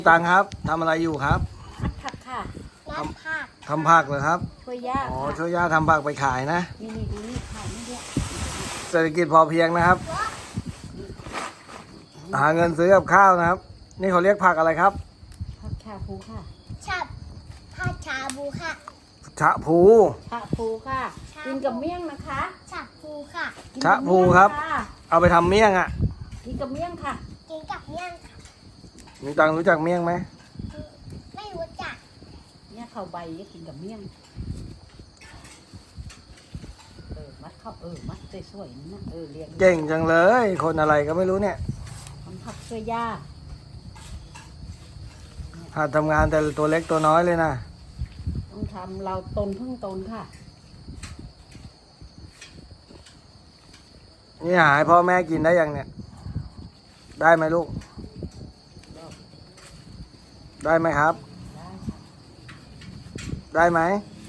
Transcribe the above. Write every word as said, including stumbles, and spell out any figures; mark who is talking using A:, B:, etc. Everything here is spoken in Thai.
A: ตังครับทำอะไรอยู่ครับ
B: มัดผักค่ะ
C: รับผัก
A: ทำผักเหรอครับ
B: ช่วยย่า
A: อ๋อ
B: ค่ะ
A: ช่วยย่าทำผักไปขายนะ
B: นี่นี่ดูนี่ขายนี่เนี่ย
A: เศรษฐกิจพอเพียงนะครับ หาเงินซื้อกับข้าวนะครับ นี่เขาเรียกผักอะไรครับ
B: ผักชาพูค่ะ
C: ชับผัดชาบูค่ะ
A: ชะพู
B: ชาพูค่ะ กินกับเมี่ยงนะคะ
C: ชับพูค่ะ
B: กิน
A: ชะ
B: กับ
A: พู
B: เมี่ยง
A: ครับ
B: ค่ะ
A: เอาไปทำเมี่ยงอ่ะ
B: กินกับเมี่ยงค่ะ
C: กินกับเมี่ยงค่ะ
A: มีตังรู้จักเมี่ยงไหม
C: ไม่รู้จัก
B: เนี่ยข้าวใบเนี่ยกินกับเมี่ยงเออมัดเข้าเออมัดสวยๆนี่นะเออเรียง
A: เก่งจังเลย คนอะไรก็ไม่รู้เนี่ย
B: ทำผักช่วยย่า
A: หัดทำงานแต่ตัวเล็กตัวน้อยเลยนะ
B: ต้องทำเราตนพึ่งตนค่ะ
A: นี่หาให้พ่อแม่กินได้ยังเนี่ย ได้ไหมลูก ได้ไหมครับ
B: ได้ค่ะ
A: ได้ไหม
B: ไ